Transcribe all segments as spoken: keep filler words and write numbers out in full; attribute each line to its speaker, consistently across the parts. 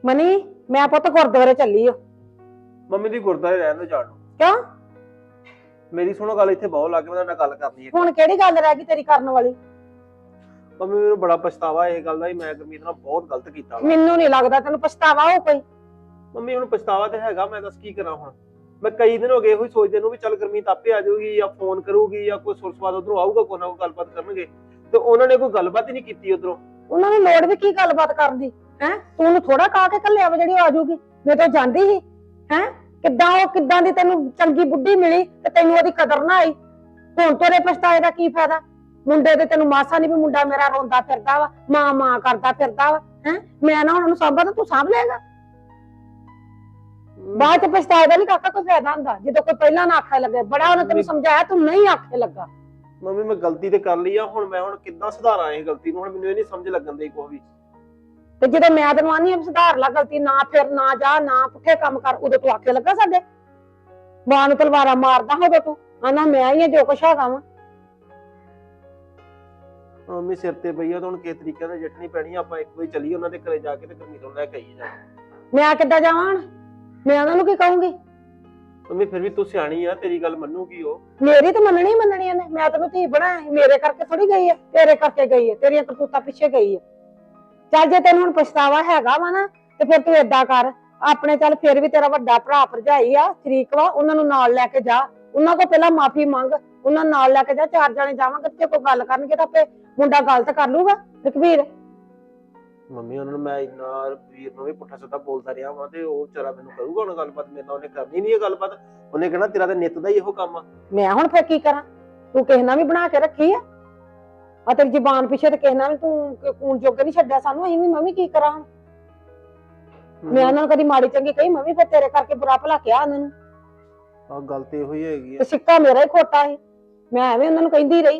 Speaker 1: Money ਮੈਂ ਪੁੱਤ ਗੁਰਦੁਆਰੇ ਚੱਲੀ ਓ।
Speaker 2: ਮੰਮੀ ਦੀ ਗੁਰਦਾਰੇ ਰਹਿਣ ਦੇ ਜਾਣ ਨੂੰ।
Speaker 1: ਕਿਉਂ?
Speaker 2: ਮੇਰੀ ਸੁਣੋ ਗੱਲ, ਇੱਥੇ ਬਹੁਤ ਲੱਗ ਮੈਂ ਨਾਲ ਗੱਲ ਕਰਨੀ ਹੈ।
Speaker 1: ਹੁਣ ਕਿਹੜੀ ਗੱਲ ਰਹਿ ਗਈ ਤੇਰੀ ਕਰਨ ਵਾਲੀ?
Speaker 2: ਮੰਮੀ ਮੈਨੂੰ ਬੜਾ ਪਛਤਾਵਾ ਇਹ ਗੱਲ ਦਾ, ਮੈਂ ਗੁਰਮੀਤ ਨਾਲ ਬਹੁਤ ਗਲਤ ਕੀਤਾ ਵਾ।
Speaker 1: ਮੈਨੂੰ ਨਹੀਂ ਲੱਗਦਾ ਤੈਨੂੰ ਪਛਤਾਵਾ ਹੋ ਕੋਈ।
Speaker 2: ਮੰਮੀ ਹੁਣ ਪਛਤਾਵਾ ਤੇ ਹੈਗਾ, ਮੈਂ ਦੱਸ ਕੀ ਕਰਾਂ ਹੁਣ। ਮੈਂ ਕਈ ਦਿਨ ਹੋ ਗਏ ਇਹੋ ਹੀ ਸੋਚਦੇ ਨੂੰ ਵੀ ਚੱਲ ਗੁਰਮੀਤ ਆਪੇ ਆ ਜਾਊਗੀ ਜਾਂ ਫੋਨ ਕਰੂਗੀ ਜਾਂ ਕੋਈ ਸੁਰਸਵਾਦ ਉਧਰੋਂ ਆਊਗਾ, ਕੋਈ ਨਾ ਕੋਈ ਗੱਲਬਾਤ ਕਰਨਗੇ, ਤੇ ਉਹਨਾਂ ਨੇ ਕੋਈ ਗੱਲਬਾਤ ਹੀ ਨਹੀਂ ਕੀਤੀ ਉਧਰੋਂ।
Speaker 1: ਉਹਨਾਂ ਨੂੰ ਲੋੜ ਵੀ ਕੀ ਗੱਲਬਾਤ ਕਰਨ ਦੀ ਹੈ? ਤੂੰ ਉਹਨੂੰ ਥੋੜਾ ਕਹਾ ਕੇ ਘੱਲਿਆ ਵਾ ਜਿਹੜੀ ਉਹ ਆ ਜਾਊਗੀ। ਮੈਂ ਤਾਂ ਜਾਂਦੀ ਸੀ ਹੈ। ਕਿੱਦਾਂ ਉਹ ਕਿੱਦਾਂ ਦੀ ਤੈਨੂੰ ਚੰਗੀ ਬੁੱਢੀ ਮਿਲੀ ਤੇ ਤੈਨੂੰ ਉਹਦੀ ਕਦਰ ਨਾ ਆਈ। ਹੁਣ ਤੇਰੇ ਪਛਤਾਏ ਦਾ ਕੀ ਫਾਇਦਾ? ਮੁੰਡੇ ਤੇ ਤੈਨੂੰ ਮਾਸਾ ਨਹੀਂ ਵੀ ਮੁੰਡਾ ਮੇਰਾ ਰੋਂਦਾ ਫਿਰਦਾ ਵਾ, ਮਾਂ ਮਾਂ ਕਰਦਾ ਫਿਰਦਾ ਵਾ ਹੈ। ਮੈਂ ਨਾ ਉਹਨਾਂ ਨੂੰ ਸਾਂਭਾ ਤਾਂ ਤੂੰ ਸਾਂਭ ਲਏਗਾ। ਬਾਅਦ ਚ ਪਛਤਾਏ ਦਾ ਨਹੀਂ ਕਾਕਾ ਕੋਈ ਫਾਇਦਾ ਹੁੰਦਾ, ਜਦੋਂ ਕੋਈ ਪਹਿਲਾਂ ਨਾ ਆਖੇ ਲੱਗੇ। ਬੜਾ ਉਹਨੇ ਤੈਨੂੰ ਸਮਝਾਇਆ, ਤੂੰ ਨਹੀਂ ਆਖੇ ਲੱਗਾ।
Speaker 2: ਮੰਮੀ ਮੈਂ ਗਲਤੀ ਤੇ ਕਰ ਲਈ ਆ, ਹੁਣ ਮੈਂ ਹੁਣ ਕਿੱਦਾਂ ਸੁਧਾਰਾਂ ਇਹ ਗਲਤੀ ਨੂੰ? ਹੁਣ ਮੈਨੂੰ ਇਹ ਨਹੀਂ ਸਮਝ ਲੱਗਣ ਦੀ ਕੋਈ ਵੀ।
Speaker 1: ਤੇ ਜਦੋਂ ਮੈਂ ਤੈਨੂੰ ਆਨੀ ਆ ਸੁਧਾਰ ਲਾ ਗਲਤੀ, ਨਾ ਫਿਰ ਨਾ ਜਾ ਨਾ ਪੁੱਠੇ ਕੰਮ ਕਰ, ਉਦੋਂ ਤੂੰ ਆਖੇ ਲੱਗਾ ਸਾਡੇ ਮਾਂ ਨੂੰ ਤਲਵਾਰਾਂ ਮਾਰਦਾ ਹੋਵੇ ਤੂੰ ਆਨਾ ਮੈਂ ਹੀ ਆ ਜੋ ਕੁਛ ਹੈਗਾ ਵਾ।
Speaker 2: ਮੰਮੀ ਸਿਰ ਤੇ ਪਈ ਆ ਤਾਂ ਹੁਣ ਕਿਸ ਤਰੀਕੇ ਨਾਲ ਜੱਟਣੀ ਪੈਣੀ। ਆਪਾਂ ਇੱਕ ਵਾਰੀ ਚੱਲੀਏ ਉਹਨਾਂ ਦੇ ਘਰੇ ਜਾ ਕੇ ਤੇ ਗੁਰਮੀਤ ਨੂੰ ਲੈ ਕੇ ਆਈਏ ਜਾ।
Speaker 1: ਮੈਂ ਕਿੱਦਾਂ ਜਾਵਾਂ? ਮੈਂ ਉਹਨਾਂ ਨੂੰ ਕੀ ਕਹੂੰਗੀ?
Speaker 2: ਮੰਮੀ ਫਿਰ ਵੀ ਤੂੰ ਸਿਆਣੀ ਆ, ਤੇਰੀ ਗੱਲ ਮੰਨੂਗੀ ਉਹ।
Speaker 1: ਮੇਰੀ ਤਾਂ ਮੰਨਣੀ ਮੰਨਣੀ ਨੇ। ਮੈਂ ਤੈਨੂੰ ਧੀ ਬਣਾਇਆ, ਮੇਰੇ ਕਰਕੇ ਥੋੜੀ ਗਈ ਹੈ, ਤੇਰੇ ਕਰਕੇ ਗਈ ਹੈ, ਤੇਰੀਆਂ ਕਰਤੂਤਾਂ ਪਿੱਛੇ ਗਈ ਹੈ। ਚੱਲ ਜੇ ਤੈਨੂੰ ਹੁਣ ਪਛਤਾਵਾ ਹੈਗਾ ਵਾ ਨਾ ਤੇ ਫਿਰ ਤੂੰ ਏਦਾਂ ਕਰ ਆਪਣੇ, ਚੱਲ ਫਿਰ ਵੀ ਤੇਰਾ ਵੱਡਾ ਭਰਾ ਭਰਜਾਈ ਆ, ਸ਼ਰੀਕ ਵਾ, ਉਹਨਾਂ ਨੂੰ ਨਾਲ ਲੈ ਕੇ ਜਾ। ਉਹਨਾਂ ਕੋਲ ਪਹਿਲਾਂ ਮਾਫੀ ਮੰਗ, ਉਹਨਾਂ ਨਾਲ ਲੈ ਕੇ ਜਾ। ਚਾਰ ਜਾਣੇ ਜਾਵਾਂਗੇ ਤੇ ਕੋਈ ਗੱਲ ਕਰਨਗੇ ਤਾਂ ਆਪੇ ਮੁੰਡਾ ਗਲਤ ਕਰ ਲੂਗਾ ਰਘਵੀਰ।
Speaker 2: ਮੰਮੀ ਉਹਨਾਂ ਨੂੰ ਮੈਂ ਇੰਨਾ ਵੀਰ ਨੂੰ ਵੀ ਪੁੱਠਾ ਸਿੱਧਾ ਬੋਲਦਾ ਰਿਹਾ ਵਾਂ ਤੇ ਉਹ ਵਿਚਾਰਾ ਮੈਨੂੰ ਕਰੂਗਾ ਹੁਣ ਗੱਲਬਾਤ? ਮੇਰੇ ਨਾਲ ਉਹਨੇ ਕਰਨੀ ਨਹੀਂ ਇਹ ਗੱਲਬਾਤ। ਉਹਨੇ ਕਹਿਣਾ ਤੇਰਾ ਤਾਂ ਨਿੱਤ ਦਾ ਹੀ ਇਹੋ ਕੰਮ ਆ।
Speaker 1: ਮੈਂ ਹੁਣ ਫਿਰ ਕੀ ਕਰਾਂ? ਤੂੰ ਕਿਸੇ ਨਾਲ ਵੀ ਬਣਾ ਕੇ ਰੱਖੀ ਆ ਆ ਤੇਰੀ ਜ਼ਬਾਨ ਪਿੱਛੇ ਤੇ ਕਿਸੇ ਨਾਲ ਵੀ ਤੂੰ ਕੂਣ ਜੋਗੇ ਨਹੀਂ ਛੱਡਿਆ ਸਾਨੂੰ। ਅਸੀਂ ਵੀ ਮੈਂ ਵੀ ਕੀ ਕਰਾਂ? ਮੈਂ ਉਹਨਾਂ ਨੂੰ ਕਦੀ ਮਾੜੀ ਚੰਗੀ ਕਹੀ? ਮੈਂ ਵੀ ਫਿਰ ਤੇਰੇ ਕਰਕੇ ਬੁਰਾ ਭਲਾ ਕਿਹਾ ਉਹਨਾਂ ਨੂੰ।
Speaker 2: ਆਹ ਗੱਲ ਤੇ ਇਹੋ ਹੀ ਹੈਗੀ ਆ।
Speaker 1: ਤੇ ਸਿੱਕਾ ਮੇਰਾ ਹੀ ਖੋਟਾ ਸੀ, ਮੈਂ ਐਵੇਂ ਉਹਨਾਂ ਨੂੰ ਕਹਿੰਦੀ ਰਹੀ।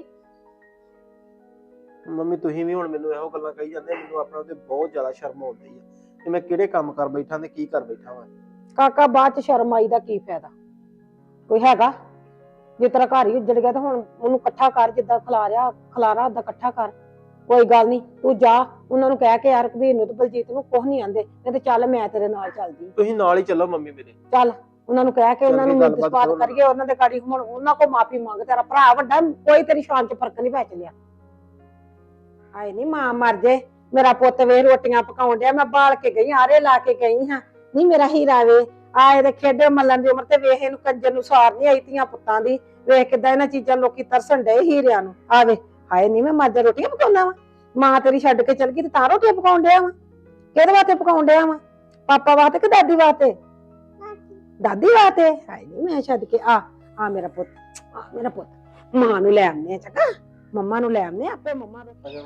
Speaker 2: ਮੰਮੀ ਤੁਸੀਂ ਵੀ ਹੁਣ ਮੈਨੂੰ ਇਹੋ ਗੱਲਾਂ ਕਹੀ ਜਾਂਦੇ, ਮੈਨੂੰ ਆਪਣਾ ਤੇ ਬਹੁਤ ਜ਼ਿਆਦਾ ਸ਼ਰਮ ਆਉਂਦੀ ਆ ਕਿ ਮੈਂ ਕਿਹੜੇ ਕੰਮ ਕਰ ਬੈਠਾ ਤੇ ਕੀ ਕਰ ਬੈਠਾ ਵਾਂ।
Speaker 1: ਕਾਕਾ ਬਾਅਦ ਚ ਸ਼ਰਮ ਆਈ ਦਾ ਕੀ ਫਾਇਦਾ? ਕੋਈ ਹੈਗਾ? ਜੇ ਤੇਰਾ ਘਰ ਹੀ ਉੱਜੜ ਗਿਆ ਤਾਂ ਹੁਣ ਉਹਨੂੰ ਇਕੱਠਾ ਕਰ, ਜਿੱਦਾਂ ਖਲਾਰਿਆ ਖਲਾਰਾ ਓਦਾਂ ਇਕੱਠਾ ਕਰ। ਕੋਈ ਗੱਲ ਨਹੀਂ, ਤੂੰ ਜਾ ਉਹਨਾਂ ਨੂੰ ਕਹਿ ਕੇ ਯਾਰ ਰਘਵੀਰ ਨੂੰ ਤੇ ਬਲਜੀਤ ਨੂੰ ਕੁਝ ਨਹੀਂ ਆਂਦੇ, ਨਹੀਂ ਤੇ ਚੱਲ ਮੈਂ ਤੇਰੇ ਨਾਲ ਚੱਲਦੀ।
Speaker 2: ਤੁਸੀਂ ਨਾਲ ਹੀ ਚੱਲੋ ਮੰਮੀ ਮੇਰੇ।
Speaker 1: ਚੱਲ ਉਹਨਾਂ ਨੂੰ ਕਹਿ ਕੇ ਉਹਨਾਂ ਨੂੰ ਮਿਲਤ-ਸਵਾਤ ਕਰੀਏ, ਉਹਨਾਂ ਦੇ ਗਾੜੀ ਹੁਣ ਉਹਨਾਂ ਕੋਲ ਮਾਫੀ ਮੰਗ। ਤੇਰਾ ਭਰਾ ਵੱਡਾ, ਕੋਈ ਤੇਰੀ ਸ਼ਾਨ ਚ ਫਰਕ ਨਹੀਂ ਪੈ ਚੱਲਿਆ। ਹਾਏ ਨੀ ਮਾਂ ਮਰ ਜੇ, ਮੇਰਾ ਪੁੱਤ ਵੇ ਰੋਟੀਆਂ ਪਕਾਉਣ ਡਿਆ, ਮੈਂ ਬਾਲ ਕੇ ਗਈ, ਆਰੇ ਲਾ ਕੇ ਗਈ ਹਾਂ। ਨਹੀਂ ਮੇਰਾ ਹੀਰਾ ਵੇ ਆਏ ਦੇ ਖੇਡੇ ਮੱਲਣ ਦੀ ਉਮਰ ਤੇ ਵੇਖ ਇਹਨੂੰ ਕੰਜਰ ਨੂੰ ਸਾਰ ਨਹੀਂ ਆਈ ਧੀਆਂ ਪੁੱਤਾਂ ਦੀ। ਵੇਖ ਕਿੱਦਾਂ ਇਹਨਾਂ ਚੀਜ਼ਾਂ ਲੋਕੀ ਤਰਸਣ ਡਏ ਹੀਰਿਆਂ ਨੂੰ। ਆਵੇ ਹਾਏ ਨੀ ਮੈਂ ਮਰ ਜਾ, ਰੋਟੀਆਂ ਪਕਾਉਣਾ ਵਾ? ਮਾਂ ਤੇਰੀ ਛੱਡ ਕੇ ਚਲ ਗਈ ਤੇ ਤਾਂ ਰੋਟੀਆਂ ਪਕਾਉਣ ਡਿਆ ਵਾ? ਕਿਹਦੇ ਵਾਸਤੇ ਪਕਾਉਣ ਡਿਆ ਵਾ? ਪਾਪਾ ਵਾਸਤੇ ਕਿ ਦਾਦੀ ਵਾਸਤੇ? ਦਾਦੀ ਵਾਸਤੇ। ਹਾਏ ਨੀ ਮੈਂ ਛੱਡ ਕੇ ਆ ਆ ਮੇਰਾ ਪੁੱਤ, ਆ ਮੇਰਾ ਪੁੱਤ। ਮਾਂ ਨੂੰ ਲੈ ਆਉਂਦੇ ਆ, ਚੰਗਾ ਮੰਮਾ ਨੂੰ ਲੈ ਆਉਂਦੇ ਆਪੇ। ਮੰਮਾ ਦੇ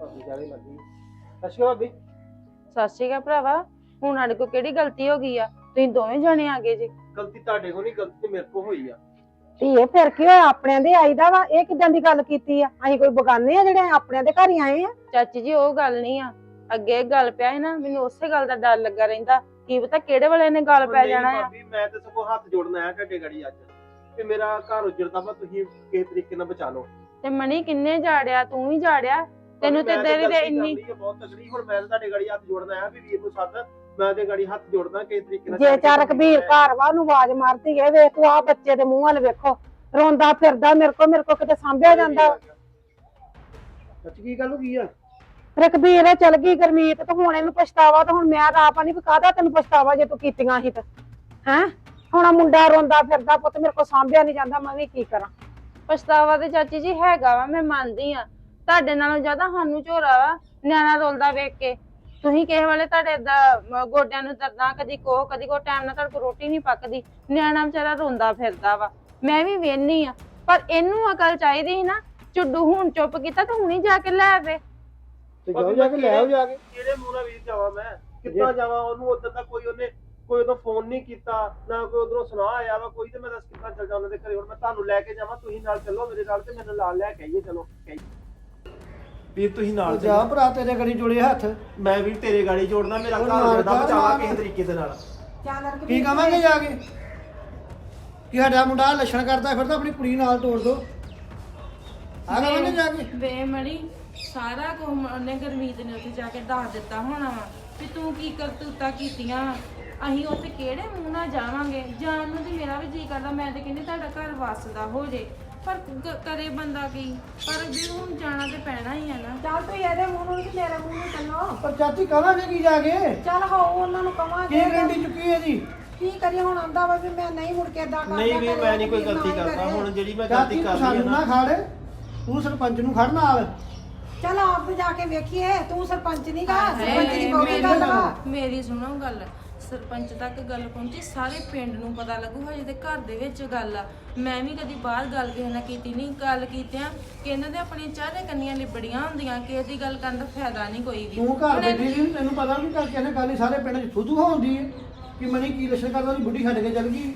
Speaker 2: ਅੱਛਾ ਭਾਬੀ।
Speaker 3: ਸਤਿ ਸ਼੍ਰੀ ਅਕਾਲ ਭਰਾਵਾ। ਹੁਣ ਸਾਡੇ ਕੋਲ ਕਿਹੜੀ ਗਲਤੀ ਹੋ ਗਈ ਆ? ਤੁਸੀਂ ਦੋਵੇਂ ਜਣੇ ਆ ਗਏ ਜੀ।
Speaker 2: ਗਲਤੀ ਤੁਹਾਡੇ ਕੋਲ ਨਹੀਂ, ਗਲਤੀ ਤੇ ਮੇਰੇ ਕੋਲ ਹੋਈ ਆ।
Speaker 1: ਧੀਏ ਫਿਰ ਕੀ ਹੋਇਆ? ਆਪਣਿਆਂ ਦੇ ਆਈਦਾ ਵਾ। ਇਹ ਕਿਦਾਂ ਦੀ ਗੱਲ ਕੀਤੀ ਆ? ਅਸੀਂ ਕੋਈ ਬਗਾਨੇ ਆ ਜਿਹੜੇ ਆਪਣਿਆਂ ਦੇ ਘਰ ਹੀ ਆਏ ਆ?
Speaker 3: ਚਾਚੀ ਜੀ ਉਹ ਗੱਲ ਨਹੀਂ ਆ, ਅੱਗੇ ਗੱਲ ਪਿਆ ਹੈ ਨਾ, ਮੈਨੂੰ ਉਸੇ ਗੱਲ ਦਾ ਡਰ ਲੱਗਾ ਰਹਿੰਦਾ, ਕੀ ਪਤਾ ਕਿਹੜੇ ਵੇਲੇ ਨੇ ਗੱਲ ਪੈ ਜਾਣਾ ਆ।
Speaker 2: ਭਾਬੀ ਮੈਂ ਤੇ ਸਗੋਂ ਹੱਥ ਜੋੜਨ ਆਇਆ ਤੁਹਾਡੇ ਗੜੀ ਅੱਜ ਕਿ ਮੇਰਾ ਘਰ ਉਜੜਦਾ ਵਾ, ਤੁਸੀਂ ਕਿਸੇ ਤਰੀਕੇ ਨਾਲ ਬਚਾ ਲਓ।
Speaker 3: ਤੇ ਮਣੀ ਕਿੰਨੇ ਜਾੜਿਆ? ਤੂੰ ਵੀ ਜਾੜਿਆ, ਤੈਨੂੰ ਤੇ ਤੇਰੀ ਤੇ ਇੰਨੀ
Speaker 2: ਬਹੁਤ ਤਕੜੀ। ਹੁਣ ਮੈਂ ਤੁਹਾਡੇ ਗੜੀ ਹੱਥ ਜੋੜਨ ਆਇਆ ਵੀ ਵੀਰ ਨੂੰ ਸੱਦ, ਮੈਂ ਤੇ ਗੜੀ ਹੱਥ ਜੋੜਦਾ ਕਿਸੇ ਤਰੀਕੇ ਨਾਲ।
Speaker 1: ਜੇ ਚਾਰ ਕਬੀਰ ਘਰ ਵਾ ਉਹਨੂੰ ਆਵਾਜ਼ ਮਾਰਦੀ ਏ, ਵੇਖ ਤੂੰ ਆ ਬੱਚੇ ਦੇ ਮੂੰਹ ਵੱਲ ਵੇਖੋ, ਰੋਂਦਾ ਫਿਰਦਾ। ਮੇਰੇ ਕੋ ਮੇਰੇ ਕੋ ਕਿਤੇ ਸਾਂਭਿਆ ਜਾਂਦਾ?
Speaker 2: ਸੱਚ ਕੀ ਗੱਲ ਹੋ ਗਈ ਆ?
Speaker 1: ਰਕਬੀਰ ਚਲ ਗਈ ਗੁਰਮੀਤ ਤੇ ਹੁਣ ਇਹਨੂੰ ਪਛਤਾਵਾ। ਤੇ ਹੁਣ ਮੈਂ ਤਾਂ ਆਪ ਨਹੀਂ ਕਾਹਦਾ ਤੈਨੂੰ ਪਛਤਾਵਾ ਜੇ ਤੂੰ ਕੀਤੀਆਂ ਸੀ ਤਾਂ ਹੈ। ਹੁਣ ਮੁੰਡਾ ਰੋਂਦਾ ਫਿਰਦਾ, ਪੁੱਤ ਮੇਰੇ ਕੋ ਸਾਂਭਿਆ ਨਹੀਂ ਜਾਂਦਾ, ਮੈਂ ਵੀ ਕੀ ਕਰਾਂ?
Speaker 3: ਪਛਤਾਵਾ ਤੇ ਚਾਚੀ ਜੀ ਹੈਗਾ ਵਾ, ਮੈਂ ਮੰਨਦੀ ਆ। ਤੁਹਾਡੇ ਨਾਲੋਂ ਜ਼ਿਆਦਾ ਸਾਨੂੰ ਝੋਰਾ ਵਾ ਨਿਆਣਾ ਰੋਲਦਾ ਵੇਖ ਕੇ। ਤੁਸੀਂ ਕਿਸੇ ਵੇਲੇ ਤੁਹਾਡੇ ਏਦਾਂ ਗੋਡਿਆਂ ਨੂੰ ਦਰਦਾਂ, ਕਦੀ ਕੋਹ ਕਦੀ ਕੋ ਟਾਈਮ ਨਾਲ ਤੁਹਾਡੇ ਕੋਲ ਰੋਟੀ ਨਹੀਂ ਪੱਕਦੀ, ਨਿਆਣਾ ਵਿਚਾਰਾ ਰੋਂਦਾ ਫਿਰਦਾ ਵਾ। ਮੈਂ ਵੀ ਵੇਹਨੀ ਆ, ਪਰ ਇਹਨੂੰ ਅਕਲ ਚਾਹੀਦੀ ਸੀ ਨਾ। ਚੁੱਡੂ ਹੁਣ ਚੁੱਪ ਕੀਤਾ ਤੇ ਹੁਣੀ ਜਾ ਕੇ ਲੈ ਆਵੇ।
Speaker 2: ਤੇ ਜਾਓ ਜਾ ਕੇ ਲੈ ਆਓ ਜਾ ਕੇ। ਕਿਹੜੇ ਮੂੰਹ ਨਾਲ ਵੀਰ ਜਾਵਾਂ ਮੈਂ? ਕਿੱਦਾਂ ਜਾਵਾਂ? ਉਹਨੂੰ ਉਦੋਂ ਤੱਕ ਕੋਈ ਉਹਨੇ ਕੋਈ ਉਦੋਂ ਫੋਨ ਨਹੀਂ ਕੀਤਾ, ਨਾ ਕੋਈ ਉਧਰੋਂ ਸੁਣਾ ਆਇਆ ਵਾ ਕੋਈ, ਤੇ ਮੈਂ ਦੱਸ ਕਿੱਦਾਂ ਚੱਲ ਜਾ ਉਹਨਾਂ ਦੇ ਘਰੇ? ਹੁਣ ਮੈਂ ਤੁਹਾਨੂੰ ਲੈ ਕੇ ਜਾਵਾਂ, ਤੁਸੀਂ ਨਾਲ ਚੱਲੋ ਮੇਰੇ ਨਾਲ, ਤੇ ਮੈਨੂੰ ਨਾਲ ਲੈ ਕੇ ਆਈਏ। ਚਲੋ ਵੀਰ ਤੁਸੀਂ ਨਾਲ
Speaker 4: ਜਾ ਭਰਾ, ਤੇਰੇ ਗੜੀ ਜੋੜੇ ਹੱਥ।
Speaker 2: ਮੈਂ ਵੀ ਤੇਰੇ ਗਾੜੀ ਜੋੜਨਾ, ਮੇਰਾ ਘਰ ਦਾ ਬਚਾਵਾ ਕਿਸੇ ਤਰੀਕੇ ਦੇ ਨਾਲ।
Speaker 4: ਕੀ ਕਵਾਂਗੇ ਜਾ ਕੇ ਕਿ ਸਾਡਾ ਮੁੰਡਾ ਲੱਛਣ ਕਰਦਾ ਫਿਰਦਾ, ਆਪਣੀ ਕੁੜੀ ਨਾਲ ਤੋੜ ਦੋ? ਆ ਕਵਾਂਗੇ ਜਾ ਕੇ?
Speaker 3: ਵੇ ਮੜੀ ਸਾਰਾ ਕੁਝ ਉਹਨੇ ਗੁਰਮੀਤ ਨੇ ਉੱਥੇ ਜਾ ਕੇ ਦੱਸ ਦਿੱਤਾ ਹੋਣਾ ਵਾ ਵੀ ਤੂੰ ਕੀ ਕਰਤੂਤਾ ਕੀਤੀਆਂ ਵਾਂ। ਅਸੀਂ ਉੱਥੇ ਕਿਹੜੇ ਮੂੰਹ ਨਾਲ ਜਾਵਾਂਗੇ? ਜਾਣ ਨੂੰ ਤੇ ਮੇਰਾ ਵੀ ਜੀ ਕਰਦਾ, ਮੈਂ ਤੇ ਕਹਿੰਦੀ ਤੁਹਾਡਾ ਘਰ ਵਸਦਾ ਹੋ ਜੇ, ਪਰ ਕ- ਕਰੇ ਬੰਦਾ ਕੀ? ਪਰ ਵੀ ਹੁਣ ਜਾਣਾ ਤੇ ਪੈਣਾ ਹੀ ਆ ਨਾ।
Speaker 1: ਚੱਲ ਤੂੰ ਇਹਦੇ ਮੂੰਹ ਨੂੰ ਤੇ ਮੇਰੇ ਮੂੰਹ ਨੂੰ ਚੱਲੋ।
Speaker 4: ਪਰ ਚਾਚੀ ਕਹਾਂਗੇ ਕੀ ਜਾ ਕੇ?
Speaker 1: ਚੱਲ ਹੋ ਉਹਨਾਂ ਨੂੰ ਕਵਾਂਗੇ
Speaker 4: ਕੀ ਗਰੰਟੀ ਚੁੱਕੀ ਹੈ ਜੀ?
Speaker 1: ਕੀ ਕਰੀਏ ਹੁਣ? ਆਂਦਾ ਵਾ ਵੀ ਮੈਂ ਨਹੀਂ ਮੁੜ ਕੇ ਏਦਾਂ ਕਰਦਾ।
Speaker 2: ਨਹੀਂ ਵੀ
Speaker 1: ਕਰੇ
Speaker 2: ਮੈਂ ਨਹੀਂ ਕੋਈ
Speaker 1: ਵੀਰ ਨਾ
Speaker 2: ਗਲਤੀ
Speaker 1: ਹੀ
Speaker 2: ਕਰਦਾ,
Speaker 1: ਕਰੇ।
Speaker 2: ਹੁਣ ਜਿਹੜੀ ਮੈਂ ਗਲਤੀ
Speaker 4: ਚਾਚੀ
Speaker 2: ਕਰ
Speaker 4: ਤੂੰ
Speaker 2: ਲਈ ਹੈ
Speaker 4: ਸਾਨੂੰ ਨਾ
Speaker 2: ਨਾ,
Speaker 4: ਖੜ, ਤੂੰ ਸਰਪੰਚ ਨੂੰ ਖੜ ਨਾਲ।
Speaker 1: ਚੱਲ ਆਪ ਤੇ ਜਾ ਕੇ ਵੇਖੀਏ। ਤੂੰ ਸਰਪੰਚ ਨਹੀਂ ਗਾ,
Speaker 3: ਹਾਏ,
Speaker 1: ਸਰਪੰਚ ਦੀ ਬਹੁਤੀ
Speaker 3: ਮੇਰੀ-
Speaker 1: ਗੱਲ ਵਾ।
Speaker 3: ਮੇਰੀ ਸੁਣੋ ਗੱਲ, ਸਰਪੰਚ ਤੱਕ ਗੱਲ ਪਹੁੰਚੀ, ਸਾਰੇ ਪਿੰਡ ਨੂੰ ਪਤਾ ਲੱਗੂ। ਹਜੇ ਤੇ ਘਰ ਦੇ ਵਿੱਚ ਗੱਲ ਆ। ਮੈਂ ਵੀ ਕਦੀ ਬਾਹਰ ਗੱਲ ਕਿਸੇ ਨਾਲ ਕੀਤੀ ਨਹੀਂ। ਗੱਲ ਕੀਤਿਆਂ ਕਿ ਇਹਨਾਂ ਦੇ ਆਪਣੀਆਂ ਚਾਰੇ ਕੰਨੀਆਂ ਲਿਬੜੀਆਂ ਹੁੰਦੀਆਂ, ਕਿਸੇ ਦੀ ਗੱਲ ਕਰਨ ਦਾ ਫਾਇਦਾ ਨਹੀਂ ਕੋਈ ਵੀ।
Speaker 4: ਤੂੰ ਘਰ ਬੈਠੀ ਸੀ, ਤੈਨੂੰ ਪਤਾ ਵੀ ਕਰਕੇ ਇਹਨੇ ਗੱਲ ਹੀ ਸਾਰੇ ਪਿੰਡ 'ਚ ਥੂ-ਥੂ ਹੁੰਦੀ ਹੈ ਕਿ ਮਨੀ ਕੀ ਲੱਛਣ ਕਰਦਾ, ਉਹਦੀ ਬੁੱਢੀ ਛੱਡ ਕੇ ਚੱਲ ਗਈ।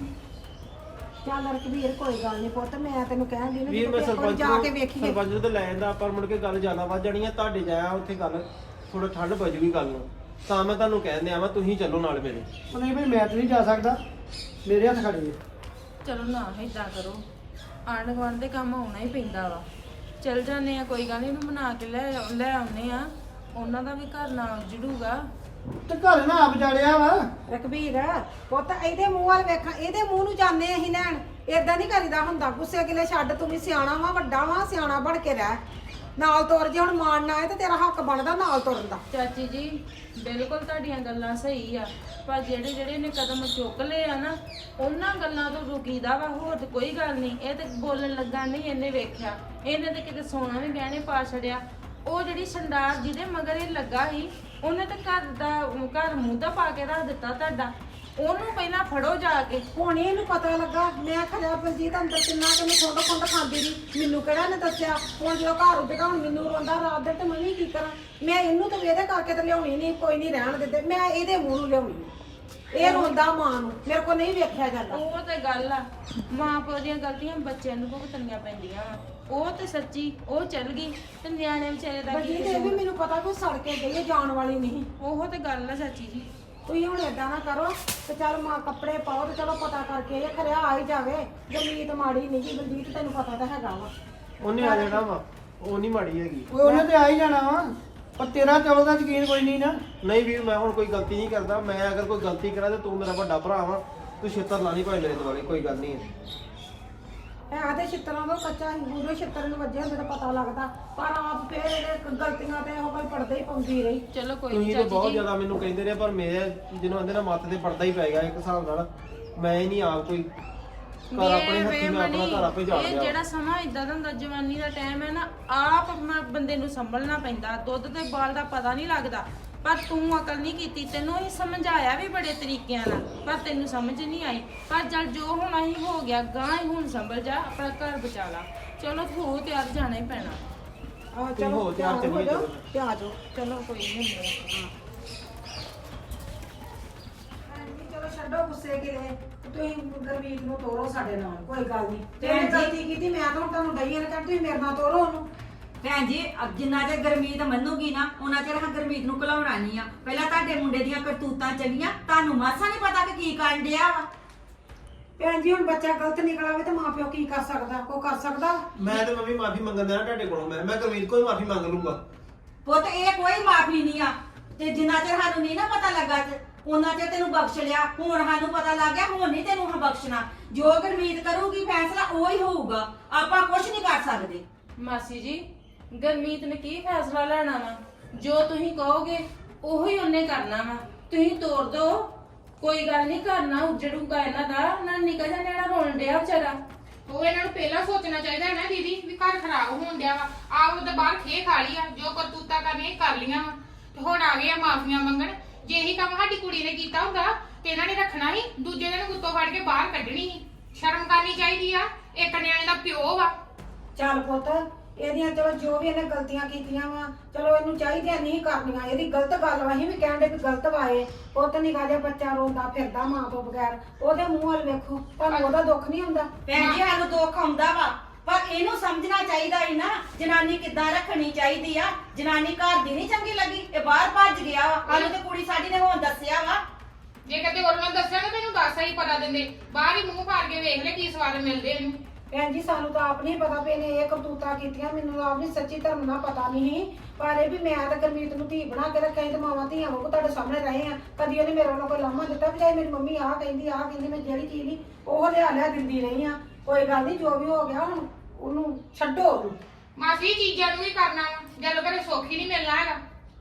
Speaker 1: ਚੱਲ ਰਕਬੀਰ ਕੋਈ ਗੱਲ ਨਹੀਂ ਪੁੱਤ, ਮੈਂ ਤੈਨੂੰ ਕਹਿਣ ਦੀ
Speaker 2: ਵੀਰ ਮੈਂ ਸਰਪੰਚ
Speaker 1: ਜਾ ਕੇ
Speaker 2: ਨੂੰ
Speaker 1: ਵੇਖੀਏ।
Speaker 2: ਸਰਪੰਚ ਨੂੰ ਤੇ ਲੈ ਜਾਂਦਾ, ਪਰ ਮੁੜ ਕੇ ਗੱਲ ਜ਼ਿਆਦਾ ਵੱਧ ਜਾਣੀ ਆ। ਤੁਹਾਡੇ ਜਾਇਆ ਉੱਥੇ ਗੱਲ ਥੋੜਾ ਠੰਡ ਪੈ ਜੂਗੀ ਗੱਲ ਨੂੰ, ਤਾਂ ਮੈਂ ਤੁਹਾਨੂੰ ਕਹਿ ਦਿਆਂ ਵਾ ਤੁਸੀਂ ਚੱਲੋ ਨਾਲ ਮੇਰੇ।
Speaker 4: ਉਹ ਨਹੀਂ ਭਾਈ ਮੈਂ ਤਾਂ ਨਹੀਂ ਜਾ ਸਕਦਾ, ਮੇਰੇ ਹੱਥ ਖੜੇ ਨੇ।
Speaker 3: ਚਲੋ ਨਾ ਏਦਾਂ ਕਰੋ, ਆਂਢ ਗੁਆਂਢ ਦੇ ਕੰਮ ਆਉਣਾ ਹੀ ਪੈਂਦਾ ਵਾ। ਚੱਲ ਜਾਂਦੇ ਆ, ਕੋਈ ਗੱਲ ਨਹੀਂ, ਇਹਨੂੰ ਮਨਾ ਕੇ ਲੈ ਲੈ ਆਉਨੇ ਆ। ਉਹਨਾਂ ਦਾ ਵੀ ਘਰ ਨਾ ਜੜੂਗਾ।
Speaker 4: ਤੇ ਘਰ ਨਾ ਆਪ ਜਾੜਿਆ ਵਾ।
Speaker 1: ਰਕਬੀਰ ਪੁੱਤ ਇਹਦੇ ਮੂੰਹ ਵੱਲ ਵੇਖਾਂ, ਇਹਦੇ ਮੂੰਹ ਨੂੰ ਜਾਂਦੇ ਅਸੀਂ ਲੈਣ। ਏਦਾਂ ਨਹੀਂ ਕਰੀਦਾ ਹੁੰਦਾ। ਗੁੱਸੇ ਗਿਲੇ ਛੱਡ, ਤੂੰ ਵੀ ਸਿਆਣਾ ਵਾ, ਵੱਡਾ ਵਾ, ਸਿਆਣਾ ਬਣ ਕੇ ਰਹਿ। ਨਾਲ ਤੁਰ, ਜੇ ਹੁਣ ਮਾਣ ਨਾ ਆਏ ਤੇ ਤੇਰਾ ਹੱਕ ਬਣਦਾ ਨਾਲ ਤੁਰਨ ਦਾ।
Speaker 3: ਚਾਚੀ ਜੀ ਬਿਲਕੁਲ ਤੁਹਾਡੀਆਂ ਗੱਲਾਂ ਸਹੀ ਆ, ਪਰ ਜਿਹੜੇ ਜਿਹੜੇ ਨੇ ਕਦਮ ਚੁੱਕ ਲਏ ਆ ਨਾ, ਉਹਨਾਂ ਗੱਲਾਂ ਤੋਂ ਰੁਕੀਦਾ ਵਾ। ਹੋਰ ਤੇ ਕੋਈ ਗੱਲ ਨਹੀਂ। ਇਹ ਤੇ ਬੋਲਣ ਲੱਗਾ ਨਹੀਂ ਇਹਨੇ ਵੇਖਿਆ, ਇਹਨੇ ਤੇ ਕਿਤੇ ਸੋਨਾ ਵੀ ਗਹਿਣੇ ਪਾ ਛੜਿਆ। ਉਹ ਜਿਹੜੀ ਸੰਡਾਰ ਜਿਹਦੇ ਮਗਰ ਇਹ ਲੱਗਾ ਸੀ, ਉਹਨੇ ਤੇ ਘਰ ਦਾ ਘਰ ਮੂੰਹ ਦਾ ਪਾ ਕੇ ਰੱਖ ਦਿੱਤਾ ਤੁਹਾਡਾ। ਉਹਨੂੰ ਪਹਿਲਾਂ ਫੜੋ ਜਾ ਕੇ।
Speaker 1: ਹੁਣ ਇਹਨੂੰ ਪਤਾ ਲੱਗਾ। ਮੈਂ ਖਰਿਆ ਬਲਜੀਤ ਅੰਦਰ ਕਿੰਨਾ ਕਿ ਮੈਂ ਖੁੰਡ ਖੁੰਡ ਖਾਂਦੀ ਰਹੀ, ਮੈਨੂੰ ਕਿਹੜਾ ਨੇ ਦੱਸਿਆ। ਹੁਣ ਜਦੋਂ ਘਰ ਉੱਜਗਾ, ਹੁਣ ਮੈਨੂੰ ਰੋਂਦਾ ਰਾਤ ਦੇ, ਤੇ ਮੈਂ ਵੀ ਕੀ ਕਰਾਂ? ਮੈਂ ਇਹਨੂੰ ਤਾਂ ਇਹਦੇ ਕਰਕੇ ਤੇ ਲਿਆਉਣੀ ਨਹੀਂ, ਕੋਈ ਨਹੀਂ ਰਹਿਣ ਦਿੰਦੇ। ਮੈਂ ਇਹਦੇ ਮੂੰਹ ਨੂੰ ਲਿਆਉਣੀ। ਇਹ ਰੋਂਦਾ ਮਾਂ ਨੂੰ, ਮੇਰੇ ਕੋਲ ਨਹੀਂ ਵੇਖਿਆ ਜਾਂਦਾ।
Speaker 3: ਉਹ ਤੇ ਗੱਲ ਆ, ਮਾਂ ਪਿਓ ਦੀਆਂ ਗਲਤੀਆਂ ਬੱਚਿਆਂ ਨੂੰ ਭੁਗਤਣੀਆਂ ਪੈਂਦੀਆਂ ਵਾ। ਉਹ ਤੇ ਸੱਚੀ ਉਹ ਚੱਲ ਗਈ, ਤੇ ਨਿਆਣੇ ਵਿਚਾਰੇ ਦਾ ਕੀ
Speaker 1: ਬਲਜੀਤ ਇਹ ਵੀ ਮੈਨੂੰ ਪਤਾ ਵੀ ਸੜ ਕੇ ਗਈ ਹੈ, ਜਾਣ ਵਾਲੀ ਨਹੀਂ।
Speaker 3: ਉਹ ਤੇ ਗੱਲ ਆ ਚਾਚੀ ਜੀ।
Speaker 1: ਤੁਸੀਂ ਹੁਣ ਏਦਾਂ ਨਾ ਕਰੋ ਤੇ ਚੱਲ ਮਾਂ ਕੱਪੜੇ ਪਾਓ ਤੇ ਚਲੋ ਪਤਾ ਕਰਕੇ ਇਹ ਖਰਿਆ ਆ ਹੀ ਜਾਵੇ। ਜਮੀਤ ਮਾੜੀ ਨਹੀਂ ਜੀ ਬਲਜੀਤ, ਤੈਨੂੰ ਪਤਾ ਤਾਂ ਹੈਗਾ ਵਾ।
Speaker 2: ਉਹਨੇ ਆ ਜਾਣਾ ਵਾ, ਉਹ ਨਹੀਂ ਮਾੜੀ ਹੈਗੀ।
Speaker 4: ਓਏ ਉਹਨੇ ਤੇ ਆ ਹੀ ਜਾਣਾ ਵਾ, ਪਰ ਤੇਰਾ ਚੌਲ ਦਾ ਯਕੀਨ ਕੋਈ ਨਹੀਂ ਨਾ।
Speaker 2: ਨਹੀਂ ਵੀਰ ਮੈਂ ਹੁਣ ਕੋਈ ਗਲਤੀ ਨਹੀਂ ਕਰਦਾ। ਮੈਂ ਅਗਰ ਕੋਈ ਗਲਤੀ ਕਰਾਂ ਤੇ ਤੂੰ ਮੇਰਾ ਵੱਡਾ ਭਰਾ ਵਾ, ਤੂੰ ਛਿੱਤਰ ਲਾ ਨਹੀਂ ਭਾਵੇਂ ਮੇਰੇ ਦੁਆਲੇ, ਕੋਈ ਗੱਲ ਨਹੀਂ ਹੈ।
Speaker 1: ਹੈ ਤੇ ਛਿੱਤਰਾਂ ਦਾ ਕੱਚਾ ਹੀ, ਉਦੋਂ ਛਿੱਤਰ ਨੂੰ ਵੱਜਿਆ ਹੁੰਦਾ ਤਾਂ ਪਤਾ ਲੱਗਦਾ, ਪਰ ਆਪ ਫੇਰ ਇਹਦੇ ਗਲਤੀਆਂ ਤੇ ਉਹ ਕੋਈ ਪੜਦੇ ਹੀ ਪਾਉਂਦੀ ਰਹੀ।
Speaker 3: ਚਲੋ ਕੋਈ
Speaker 2: ਤੁਸੀਂ
Speaker 3: ਨਹੀਂ
Speaker 2: ਤਾਂ ਬਹੁਤ
Speaker 3: ਚਾਚੀ ਜੀ।
Speaker 2: ਜ਼ਿਆਦਾ ਮੈਨੂੰ ਕਹਿੰਦੇ ਰਹੇ, ਪਰ ਮੇਰੇ ਜਿਹਨੂੰ ਆਂਦੇ ਨਾ ਮੱਤ ਤੇ ਪੜਦਾ ਹੀ ਪੈ ਗਿਆ ਇੱਕ ਹਿਸਾਬ ਨਾਲ। ਮੈਂ ਹੀ ਨਹੀਂ ਆਪ ਕੋਈ ਘਰ ਆਪਣੇ ਹੱਥੀ ਮੈਂ ਆਪਣਾ ਘਰ ਆਪੇ ਜਾ
Speaker 3: ਇਹ
Speaker 2: ਲਿਆ।
Speaker 3: ਜਿਹੜਾ ਸਮਾਂ ਇਦਾਂ ਦਾ ਹੁੰਦਾ, ਜਵਾਨੀ ਦਾ ਟਾਈਮ ਹੈ ਨਾ, ਆਪ ਮ- ਬੰਦੇ ਨੂੰ ਸੰਭਲਣਾ ਪੈਂਦਾ। ਦੁੱਧ ਤੇ ਬਾਲ ਦਾ ਪਤਾ ਨਹੀਂ ਲੱਗਦਾ, ਪਰ ਤੂੰ ਅਕਲ ਨਹੀਂ ਕੀਤੀ। ਤੈਨੂੰ ਹੀ ਸਮਝਾਇਆ ਵੀ ਬੜੇ ਤਰੀਕਿਆਂ ਨਾਲ, ਪਰ ਤੈਨੂੰ ਸਮਝ ਨਹੀਂ ਆਈ। ਪਰ ਚੱਲ ਜੋ ਹੋਣਾ ਹੀ ਹੋ ਗਿਆ, ਗਾਂ ਹੀ ਹੁਣ ਸੰਭਲ ਜਾ, ਆਪਣਾ ਘਰ ਬਚਾ ਲਾ। ਚਲੋ ਹੋ ਤਿਆਰ, ਜਾਣਾ ਹੀ ਪੈਣਾ।
Speaker 1: ਆਹ
Speaker 2: ਤੁਸੀਂ ਹੋ ਤਿਆਰ,
Speaker 1: ਤਿਆਰ ਹੋ
Speaker 2: ਚੱਲੀਏ
Speaker 1: ਜਾਓ
Speaker 2: ਚਲੋ।
Speaker 1: ਤੇ ਆ ਜਾਓ।
Speaker 3: ਚਲੋ ਕੋਈ ਨਹੀਂ ਹੁੰਦਾ।
Speaker 1: ਹਾਂਜੀ, ਚਲੋ ਛੱਡੋ ਗੁੱਸੇ ਗਿਲੇ, ਤੁਸੀਂ ਗੁਰਮੀਤ ਨੂੰ ਤੋਰੋ ਸਾਡੇ ਨਾਲ, ਕੋਈ ਗੱਲ ਨਹੀਂ।
Speaker 5: ਭੈਣ
Speaker 1: ਜੇ
Speaker 5: ਜੀ-
Speaker 1: ਗਲਤੀ ਕੀਤੀ ਮੈਂ ਤਾਂ ਹੁਣ ਤੁਹਾਨੂੰ ਡਈਆਂ ਨੇ ਕਹਿ, ਤੁਸੀਂ ਮੇਰੇ ਨਾਲ ਤੋਰੋ ਉਹਨੂੰ।
Speaker 5: ਭੈਣ ਜੀ ਅਬ ਜਿੰਨਾ ਚਿਰ ਗਰਮੀਤ ਮੰਨੂਗੀ ਨਾ, ਉਹਨਾਂ ਚਿਰ ਹਾਂ ਗਰਮੀਤ ਨੂੰ ਘਲਾਉਣਾ ਨਹੀਂ ਆ। ਪਹਿਲਾਂ ਤੁਹਾਡੇ ਮੁੰਡੇ ਦੀਆਂ ਕਰਤੂਤਾਂ ਚੱਲੀਆਂ, ਤੁਹਾਨੂੰ ਮਾਸਾ ਨਹੀਂ ਪਤਾ ਕਿ ਕੀ ਕਰਨ ਡਿਆ ਵਾ।
Speaker 1: ਭੈਣ ਜੀ ਹੁਣ ਬੱਚਾ ਗਲਤ ਨਿਕਲਾਵੇ ਤੇ ਮਾਪਿਓ ਕੀ ਕਰ ਸਕਦਾ? ਕੋ ਕਰ ਸਕਦਾ?
Speaker 2: ਮੈਂ ਤੇ ਮੰਮੀ ਮਾਫੀ ਮੰਗਣ ਦੇਣਾ ਤੁਹਾਡੇ ਕੋਲੋਂ। ਮੈਂ ਮੈਂ ਗੁਰਮੀਤ ਕੋਈ ਮਾਫੀ ਮੰਗ ਲੂੰਗਾ।
Speaker 5: ਪੁੱਤ ਇਹ ਕੋਈ ਮਾਫੀ ਨਹੀਂ ਆ। ਤੇ ਜਿੰਨਾ ਚਿਰ ਸਾਨੂੰ ਨਹੀਂ ਨਾ ਪਤਾ ਲੱਗਾ ਤੇ ਉਹਨਾਂ ਚਿਰ ਤੈਨੂੰ ਬਖਸ਼ ਲਿਆ। ਹੁਣ ਸਾਨੂੰ ਪਤਾ ਲੱਗ ਗਿਆ, ਹੁਣ ਨਹੀਂ ਤੈਨੂੰ ਹਾਂ ਬਖਸ਼ਣਾ। ਜੋ ਗਰਮੀਤ ਕਰੂਗੀ ਫੈਸਲਾ ਉਹ ਹੀ ਹੋਊਗਾ, ਆਪਾਂ ਕੁਝ ਨਹੀਂ ਕਰ ਸਕਦੇ।
Speaker 3: ਮਾਸੀ ਜੀ, ਗਰਮੀਤ ਨੇ ਕੀ ਫੈਸਲਾ ਲੈਣਾ ਵਾ? ਜੋ ਤੁਸੀਂ ਕਹੋਗੇ ਉਹੀ ਉਹਨੇ ਕਰਨਾ ਵਾ। ਤੁਸੀਂ ਤੋਰ ਦੋ, ਕੋਈ ਗੱਲ ਨਹੀਂ, ਕਰਨਾ ਉਜੜੂਗਾ ਇਹਨਾਂ ਦਾ। ਨਾ ਨਿਕਲ ਜਾ, ਜਿਹੜਾ ਰੋਣ ਡਿਆ ਵਿਚਾਰਾ।
Speaker 6: ਉਹ ਇਹਨਾਂ ਨੂੰ ਪਹਿਲਾਂ ਸੋਚਣਾ ਚਾਹੀਦਾ ਹੈ ਨਾ ਦੀਦੀ, ਵੀ ਘਰ ਖਰਾਬ ਹੋਣ ਡਿਆ ਵਾ। ਆਪ ਉਹਦੇ ਬਾਹਰ ਖੇ ਖਾ ਲਿਆ, ਜੋ ਕਰਤੂਤਾਂ ਕਰਨੀਆਂ ਕਰ ਲੀਆਂ ਵਾ, ਤੇ ਹੁਣ ਆ ਗਏ ਆ ਮਾਫੀਆਂ ਮੰਗਣ। ਜੇ ਇਹੀ ਕੰਮ ਸਾਡੀ ਕੁੜੀ ਨੇ ਕੀਤਾ ਹੁੰਦਾ ਤੇ ਇਹਨਾਂ ਨੇ ਰੱਖਣਾ ਹੀ, ਦੂਜੇ ਦਿਨ ਗੁੱਤੋਂ ਫੜ ਕੇ ਬਾਹਰ ਕੱਢਣੀ ਸੀ। ਸ਼ਰਮ ਕਰਨੀ ਚਾਹੀਦੀ ਆ, ਇੱਕ ਨਿਆਣੇ ਦਾ ਪਿਓ ਵਾ।
Speaker 1: ਚੱਲ ਪੁੱਤ, ਇਹਦੀਆਂ ਚਲੋ ਜੋ ਵੀ ਇਹਨੇ ਗਲਤੀਆਂ ਕੀਤੀਆਂ ਵਾ, ਚਲੋ ਇਹਨੂੰ ਚਾਹੀਦੀਆਂ ਨਹੀਂ ਕਰਨੀਆਂ। ਇਹਦੀ ਗਲਤ ਗੱਲ ਵਾ, ਅਸੀਂ ਵੀ ਕਹਿੰਦੇ ਵੀ ਗਲਤ ਵਾਏ। ਪੁੱਤ ਨਿਕਾ ਜਿਹਾ ਬੱਚਾ ਰੋਂਦਾ ਫਿਰਦਾ ਮਾਂ ਤੋਂ ਬਗੈਰ, ਉਹਦੇ ਮੂੰਹ ਵੱਲ ਵੇਖੋ, ਤੁਹਾਨੂੰ ਉਹਦਾ ਦੁੱਖ ਨਹੀਂ ਹੁੰਦਾ?
Speaker 5: ਭੈਣ ਜੀ ਸਾਨੂੰ ਦੁੱਖ ਆਉਂਦਾ ਵਾ, ਪਰ ਇਹਨੂੰ ਸਮਝਣਾ ਚਾਹੀਦਾ ਹੀ ਨਾ ਜਨਾਨੀ ਕਿੱਦਾਂ ਰੱਖਣੀ ਚਾਹੀਦੀ ਆ। ਜਨਾਨੀ ਘਰ ਦੀ ਨਹੀਂ ਚੰਗੀ ਲੱਗੀ, ਇਹ ਬਾਹਰ ਭੱਜ ਗਿਆ ਵਾ। ਸਾਨੂੰ ਤੇ ਕੁੜੀ ਸਾਡੀ ਨੇ ਹੁਣ ਦੱਸਿਆ ਵਾ।
Speaker 6: ਜੇ ਕਦੇ ਉਹਨਾਂ ਦੱਸਿਆ ਤਾਂ ਮੈਨੂੰ ਦੱਸ ਹੀ ਪਤਾ ਦਿੰਦੇ। ਬਾਹਰ ਹੀ ਮੂੰਹ ਫਾੜ ਕੇ ਵੇਖ ਲੈ ਕੀ ਸਵਾਦ ਮਿਲਦੇ ਇਹਨੂੰ।
Speaker 1: ਭੈਣ ਜੀ ਸਾਨੂੰ ਤਾਂ ਆਪ ਨਹੀਂ ਪਤਾ ਵੀ ਇਹਨੇ ਇਹ ਕਰਤੂਤਾਂ ਕੀਤੀਆਂ, ਮੈਨੂੰ ਤਾਂ ਆਪ ਨਹੀਂ ਸੱਚੀ ਧਰਮ ਨਾਲ ਪਤਾ ਨਹੀਂ, ਪਰ ਇਹ ਵੀ ਮੈਂ ਤਾਂ ਗੁਰਮੀਤ ਨੂੰ ਧੀ ਬਣਾ ਕੇ ਰੱਖਿਆ ਤੇ ਮਾਵਾਂ ਧੀਆਂ ਵਾਂਗੂ ਤੁਹਾਡੇ ਸਾਹਮਣੇ ਰਹੇ ਆ। ਕਦੀ ਉਹਨੇ ਮੇਰੇ ਵੱਲੋਂ ਕੋਈ ਲਾਮਾ ਦਿੱਤਾ ਵੀ ਮੇਰੀ ਮੰਮੀ ਆਹ ਕਹਿੰਦੀ ਆਹ ਕਹਿੰਦੀ, ਮੈਂ ਜਿਹੜੀ ਚੀਜ਼ ਨਹੀਂ ਉਹ ਲਿਆ ਲਿਆ ਦਿੰਦੀ ਰਹੀ ਆ। ਕੋਈ ਗੱਲ ਨਹੀਂ, ਜੋ ਵੀ ਹੋ ਗਿਆ ਹੁਣ ਉਹਨੂੰ ਛੱਡੋ ਉਹਨੂੰ।
Speaker 6: ਮਾਸੀ ਚੀਜ਼ਾਂ ਨੂੰ ਵੀ ਕਰਨਾ ਵਾ, ਜਦੋਂ ਘਰੇ ਸੁੱਖ ਹੀ ਨਹੀਂ ਮਿਲਣਾ ਹੈਗਾ।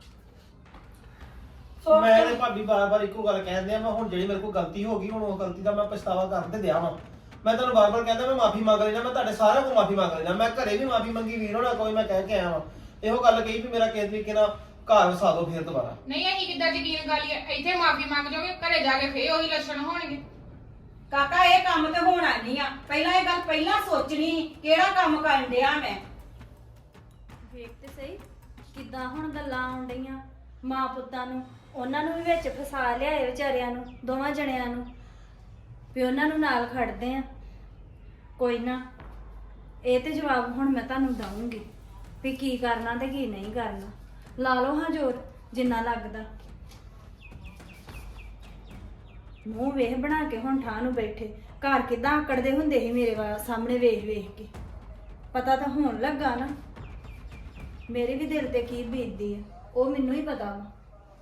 Speaker 1: ਸੋ
Speaker 2: ਮੈਂ ਤੇ ਭਾਬੀ ਬਾਰ-ਬਾਰ ਇੱਕੋ ਗੱਲ ਕਹਿੰਦੇ ਆ, ਮੈਂ ਹੁਣ ਜਿਹੜੀ ਮੇਰੇ ਕੋਲ ਗਲਤੀ ਹੋ ਗਈ ਹੁਣ ਉਹ ਗਲਤੀ ਦਾ ਮੈਂ ਪਛਤਾਵਾ ਕਰਨ ਤੇ ਦਿਆ ਵਾਂ। ਮੈਂ ਤੁਹਾਨੂੰ ਬਾਰ-ਬਾਰ ਕਹਿੰਦਾ ਮੈਂ ਮਾਫੀ ਮੰਗ ਲੈਣਾ, ਮੈਂ ਤੁਹਾਡੇ ਸਾਰਿਆਂ ਕੋਲ ਮਾਫੀ ਮੰਗ ਲੈਣਾ। ਮੈਂ ਘਰੇ ਵੀ ਮਾਫੀ ਮੰਗੀ, ਵੀਰ ਹੋਣਾ ਕੋਈ ਮੈਂ ਕਹਿ ਕੇ ਆਇਆ ਵਾਂ। ਇਹੋ ਗੱਲ ਕਹੀ ਵੀ ਮੇਰਾ ਕਿਸੇ ਤਰੀਕੇ ਨਾਲ ਘਰ ਵਸਾ ਦਿਓ ਫਿਰ ਦੁਬਾਰਾ।
Speaker 6: ਨਹੀਂ ਅਸੀਂ ਕਿੱਦਾਂ ਯਕੀਨ ਕਰ ਲਈਏ? ਇੱਥੇ ਮਾਫੀ ਮੰਗ ਜਾਓਗੇ, ਘਰੇ ਜਾ ਕੇ ਫੇਰ ਉਹੀ ਲੱਛਣ ਹੋਣਗੇ।
Speaker 5: ਕਾਕਾ ਇਹ ਕੰਮ ਤੇ ਹੋਣਾ ਨਹੀਂ ਆ। ਪਹਿਲਾਂ ਇਹ ਗੱਲ ਪਹਿਲਾਂ ਸੋਚਣੀ ਕਿਹੜਾ ਕੰਮ ਕਰਨ ਡਿਆ ਮੈਂ।
Speaker 7: ਵੇਖ ਤੇ ਸਹੀ ਕਿੱਦਾਂ ਹੁਣ ਗੱਲਾਂ ਆਉਣ ਡਈਆਂ ਮਾਂ ਪੁੱਤਾਂ ਨੂੰ, ਉਹਨਾਂ ਨੂੰ ਵੀ ਵਿੱਚ ਫਸਾ ਲਿਆਏ ਵਿਚਾਰਿਆਂ ਨੂੰ, ਦੋਵਾਂ ਜਣਿਆਂ ਨੂੰ ਵੀ ਉਹਨਾਂ ਨੂੰ ਨਾਲ ਖੜਦੇ ਆ। ਕੋਈ ਨਾ, ਇਹ ਤੇ ਜਵਾਬ ਹੁਣ ਮੈਂ ਤੁਹਾਨੂੰ ਦਊਂਗੀ ਵੀ ਕੀ ਕਰਨਾ ਤੇ ਕੀ ਨਹੀਂ ਕਰਨਾ। ਲਾ ਲਓ ਹਾਂ ਜ਼ੋਰ ਜਿੰਨਾ ਲੱਗਦਾ। ਮੂੰਹ ਵੇਖ ਬਣਾ ਕੇ ਹੁਣ ਠਾਹ ਨੂੰ ਬੈਠੇ, ਘਰ ਕਿਦਾਂ ਆਕੜਦੇ ਹੁੰਦੇ ਸੀ ਮੇਰੇ ਵਾ- ਸਾਹਮਣੇ ਵੇਖ ਵੇਖ ਕੇ। ਪਤਾ ਤਾਂ ਹੋਣ ਲੱਗਾ ਨਾ ਮੇਰੇ ਵੀ ਦਿਲ ਤੇ ਕੀ ਬੀਤਦੀ ਆ, ਉਹ ਮੈਨੂੰ ਹੀ ਪਤਾ ਵਾ।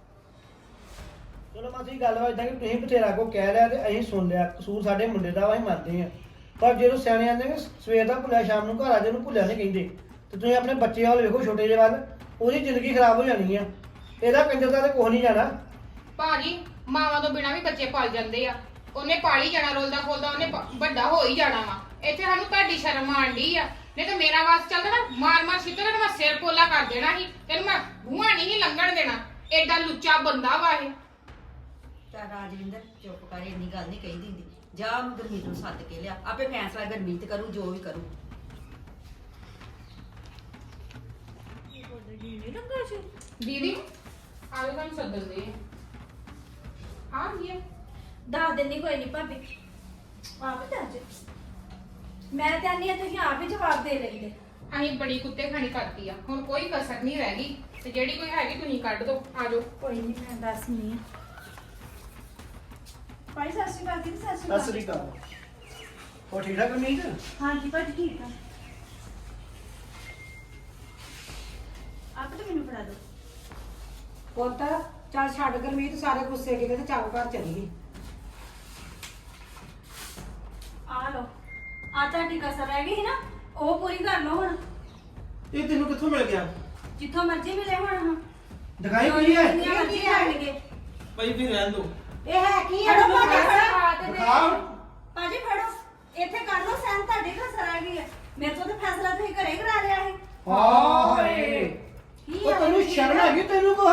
Speaker 4: ਚਲੋ ਮਾਸੀ ਗੱਲ ਵਾ ਇਦਾਂ ਕਿ ਤੁਸੀਂ ਬਥੇਰਾ ਕੋ ਕਹਿ ਲਿਆ ਤੇ ਅਸੀਂ ਸੁਣ ਲਿਆ, ਕਸੂਰ ਸਾਡੇ ਮੁੰਡੇ ਦਾ ਵਾ, ਅਸੀਂ ਮੰਨਦੇ ਆ। ਪਰ ਜਦੋਂ ਸਿਆਣੇ ਆਂਦੇ ਨੇ ਸਵੇਰ ਦਾ ਭੁੱਲਿਆ ਸ਼ਾਮ ਨੂੰ ਘਰ ਆ ਜੇ ਉਹਨੂੰ ਭੁੱਲਿਆ ਨਹੀਂ ਕਹਿੰਦੇ, ਤੇ ਤੁਸੀਂ ਆਪਣੇ ਬੱਚੇ ਵੱਲ ਵੇਖੋ ਛੋਟੇ ਜਿਹੇ ਵੱਲ, ਉਹਦੀ ਜ਼ਿੰਦਗੀ ਖਰਾਬ ਹੋ ਜਾਣੀ ਆ। ਇਹਦਾ ਕੰਜਰ ਦਾ ਤੇ ਕੁਛ ਨਹੀਂ ਜਾਣਾ।
Speaker 6: ਭਾਜੀ ਮਾਵਾਂ ਤੋਂ ਬਿਨਾਂ ਵੀ ਬੱਚੇ ਪਲ ਜਾਂਦੇ ਆ, ਉਹਨੇ ਪਾਲੀ ਜਾਣਾ ਰੋਲਦਾ ਖੋਲਦਾ, ਉਹਨੇ ਪ- ਵੱਡਾ ਹੋ ਹੀ ਜਾਣਾ ਵਾ। ਇੱਥੇ ਸਾਨੂੰ ਤੁਹਾਡੀ ਸ਼ਰਮ ਆਂਦੀ ਆ, ਨਹੀਂ ਤਾਂ ਮੇਰਾ ਵਾਸ ਚੱਲਦਾ ਨਾ ਮਾਰ ਮਾਰ ਸਿੱਧਾ ਨਾ ਮੈਂ ਸਿਰ ਪੋਲਾ ਕਰ ਦੇਣਾ ਸੀ, ਤੈਨੂੰ ਮੈਂ ਬੂਹਾ ਨਹੀਂ ਲੰਘਣ ਦੇਣਾ। ਐਡਾ ਲੁੱਚਾ ਬੰਦਾ ਵਾ ਇਹ।
Speaker 5: ਤਾਂ ਰਾਜਵਿੰਦਰ ਚੁੱਪ ਕਰ, ਇੰਨੀ ਗੱਲ ਨਹੀਂ ਕਹੀ ਦਿੰਦੀ। ਜਾ ਉਹਨੂੰ ਗੁਰਮੀਤ ਨੂੰ ਸੱਦ ਕੇ ਲਿਆ, ਆਪੇ ਫੈਸਲਾ ਗੁਰਮੀਤ ਕਰੂ ਜੋ ਵੀ ਕਰੂ।
Speaker 6: ਦੀਦੀ ਆਵੇ ਤੁਹਾਨੂੰ ਸੱਦਦੇ ਆ ਗਿਆ।
Speaker 7: ਦੱਸ ਦਿੰਦੀ ਕੋਈ ਨਹੀਂ ਭਾਬੀ, ਆਪ ਹੀ ਦੱਸ। ਮੈਂ ਤਾਂ ਨਹੀਂ ਆ ਤੁਸੀਂ ਆਪ ਹੀ ਜਵਾਬ ਦੇ ਲੈਂਦੇ।
Speaker 6: ਅਸੀਂ ਬੜੀ ਕੁੱਤੇ ਖਾਣੀ ਕਰਤੀ ਆ, ਹੁਣ ਕੋਈ ਕਸਰ ਨਹੀਂ ਰਹਿ ਗਈ, ਤੇ ਜਿਹੜੀ ਕੋਈ ਹੈਗੀ ਤੁਸੀਂ ਕੱਢ ਦੋ। ਆ ਜਾਓ।
Speaker 7: ਕੋਈ ਨਹੀਂ ਮੈਂ ਦੱਸਨੀ ਆ। ਭਾਈ ਸਤਿ ਸ਼੍ਰੀ ਅਕਾਲ ਜੀ। ਸਤਿ ਸ਼੍ਰੀ
Speaker 4: ਸਤਿ
Speaker 7: ਅਕਾਲ।
Speaker 4: ਸ੍ਰੀ ਅਕਾਲ। ਹੋਰ ਠੀਕ ਠਾਕ ਗੁਰਮੀਤ?
Speaker 7: ਹਾਂਜੀ ਭਾਜੀ ਠੀਕ ਆ। ਆਪ ਤਾਂ ਮੈਨੂੰ ਫੜਾ ਦਿਓ।
Speaker 1: ਪੁੱਤ ਚੱਲ ਛੱਡ ਗੁਰਮੀਤ ਸਾਰੇ ਗੁੱਸੇ ਕਿਤੇ ਤੇ ਚੱਲ ਘਰ ਚੱਲੀਏ।
Speaker 7: ਆ ਲਓ, ਆ ਤੁਹਾਡੀ ਕਸਰ ਰਹਿ ਗਈ ਸੀ ਨਾ, ਉਹ ਪੂਰੀ ਕਰ ਲਓ ਹੁਣ।
Speaker 2: ਇਹ ਤੈਨੂੰ ਕਿੱਥੋਂ ਮਿਲ ਗਿਆ?
Speaker 7: ਜਿੱਥੋਂ ਮਰਜ਼ੀ ਮਿਲੇ ਹੁਣ।
Speaker 4: ਦਿਖਾਈ ਕੀ ਹੈ?
Speaker 7: ਜਿੰਨੀਆਂ ਮਰਜ਼ੀ ਲੈਣਗੇ।
Speaker 2: ਭਾਈ ਵੀ ਰਹਿਣ ਦੋ।
Speaker 1: ਇਹ ਹੈ ਕੀ ਹੈ?
Speaker 7: ਫੜੋ ਭਾਜੀ,
Speaker 1: ਮੈਨੂੰ
Speaker 7: ਫੜੋ।
Speaker 1: ਦੱਸ।
Speaker 4: ਦਿਖਾ।
Speaker 7: ਭਾਜੀ ਫੜੋ, ਇੱਥੇ ਕਰ ਲਓ ਸੈਨ, ਤੁਹਾਡੀ ਕਸਰ ਰਹਿ ਗਈ ਹੈ। ਮੇਰੇ ਤੋਂ ਤਾਂ ਫੈਸਲਾ ਤੁਸੀਂ ਘਰੇ ਕਰਾ ਲਿਆ ਹੈ।
Speaker 4: ਹਾਏ
Speaker 7: ਕੀ
Speaker 4: ਉਹ
Speaker 7: ਹੈ?
Speaker 4: ਤੈਨੂੰ ਸ਼ਰਮ ਹੈਗੀ ਤੈਨੂੰ ਕੋ?